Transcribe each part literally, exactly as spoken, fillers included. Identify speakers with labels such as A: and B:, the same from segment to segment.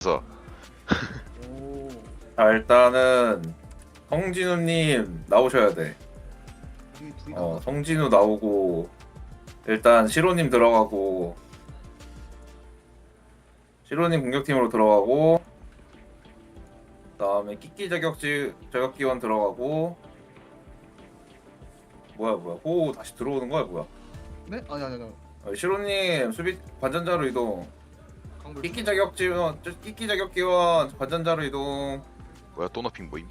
A: 그래서
B: 오.
C: 자 일단은 성진우님 나오셔야 돼.
B: 둘이 둘이
C: 어
B: 나와.
C: 성진우 나오고 일단 시로님 들어가고 시로님 공격팀으로 들어가고 그다음에 끼끼 자격지 자격기원 들어가고 뭐야 뭐야 호 다시 들어오는 거야 뭐야?
B: 네? 아니 아니 아니.
C: 어, 시로님 수비 관전자로 이동.
B: 강불.
C: 끼끼 자격지원 끼끼 자격기원 관전자로 이동.
A: 뭐야 또 너핑 모임?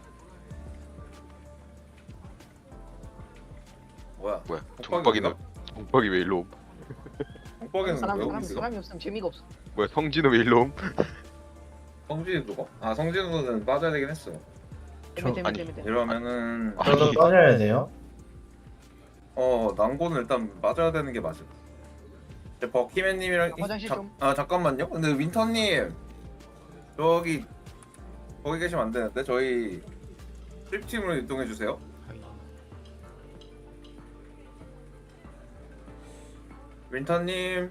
C: 뭐야?
A: 뭐야
C: 독박이
A: 동박이는 동박이 왜 일로 옴?
C: 공박이는
D: 사람,
C: 왜
D: 사람,
C: 여기 있어?
D: 사람이 없으면 재미가 없어.
A: 뭐야 성진우 왜 일로 옴?
C: 성진이 누가? 아 성진우는 빠져야 되긴 했어.
D: 재미 재미
A: 아니,
D: 재미 재미.
C: 이러면은
A: 아,
E: 저도 빠져야 돼요?
C: 어 난고는 일단 빠져야 되는 게 맞아. 이제 버키맨님이랑 이-
D: 화장실
C: 자-
D: 좀.
C: 아 잠깐만요. 근데 윈터님 저기 거기 계시면 안 되는데 저희 트립팀으로 이동해 주세요. 윈터님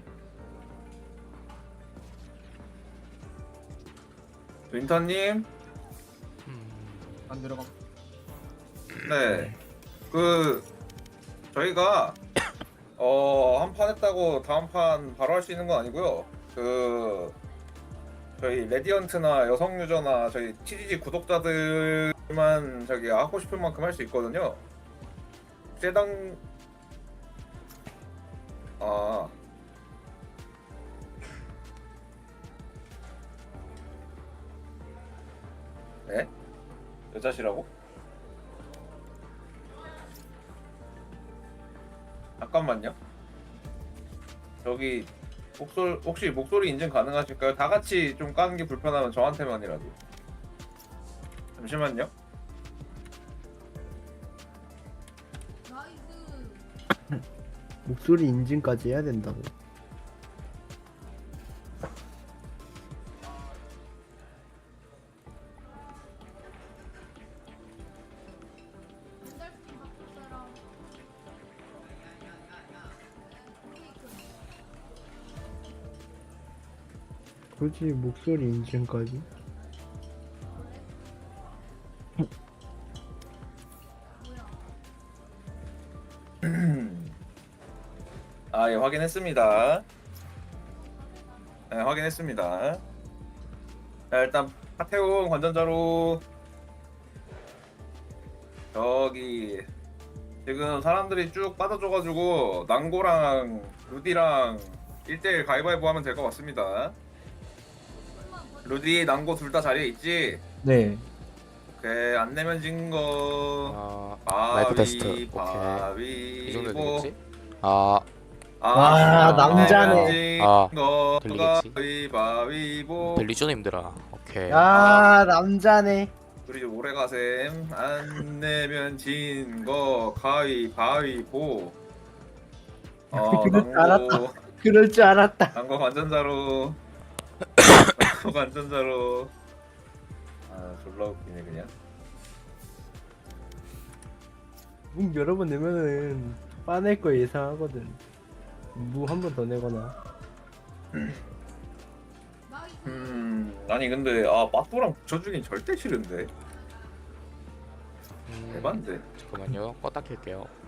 C: 윈터님
B: 안 들어가.
C: 네. 그 저희가 어 한 판 했다고 다음 판 바로 할 수 있는 건 아니고요. 그 저희 레디언트나 여성 유저나 저희 티지지 구독자들만 저기 하고 싶은 만큼 할 수 있거든요. 세당 아 네? 여자시라고? 잠깐만요. 저기 목소리 혹시 목소리 인증 가능하실까요? 다 같이 좀 까는 게 불편하면 저한테만이라도. 잠시만요.
F: 목소리 인증까지 해야 된다고. 굳이 목소리 인증까지?
C: 아, 예, 확인했습니다. 네, 확인했습니다. 자, 일단 하태웅 관전자로 저기 지금 사람들이 쭉 빠져줘가지고 난고랑 루디랑 일 대일 가위바위보 하면 될 것 같습니다. 루디, 난고 둘 다 자리에 있지?
F: 네.
C: 오케이, 안 내면 진거
G: 아, 라이프 테스트. 오케이.
C: 바위
G: 이 정도
C: 뭐
G: 되겠지? 아,
F: 와,
C: 남자네
G: 아,
C: 거
G: 들리겠지?
C: 가위바위보
G: 들리죠, 님들아? 오케이.
F: 아, 남자네.
C: 우리 좀 오래 가셈. 안 내면 진 거 가위바위보. 어
F: 그럴 줄
C: 난고
F: 그럴 줄 알았다.
C: 난거 관전자로 난고 관전자로. 아 졸라 웃기네 그냥.
F: 문 여러 번 내면은 빠낼 거 예상하거든. 무 한 번 더 내거나.
C: 음 아니 근데 아 빠또랑 붙여주긴 절대 싫은데.
G: 음,
C: 대반데.
G: 잠깐만요. 껐다 켤게요.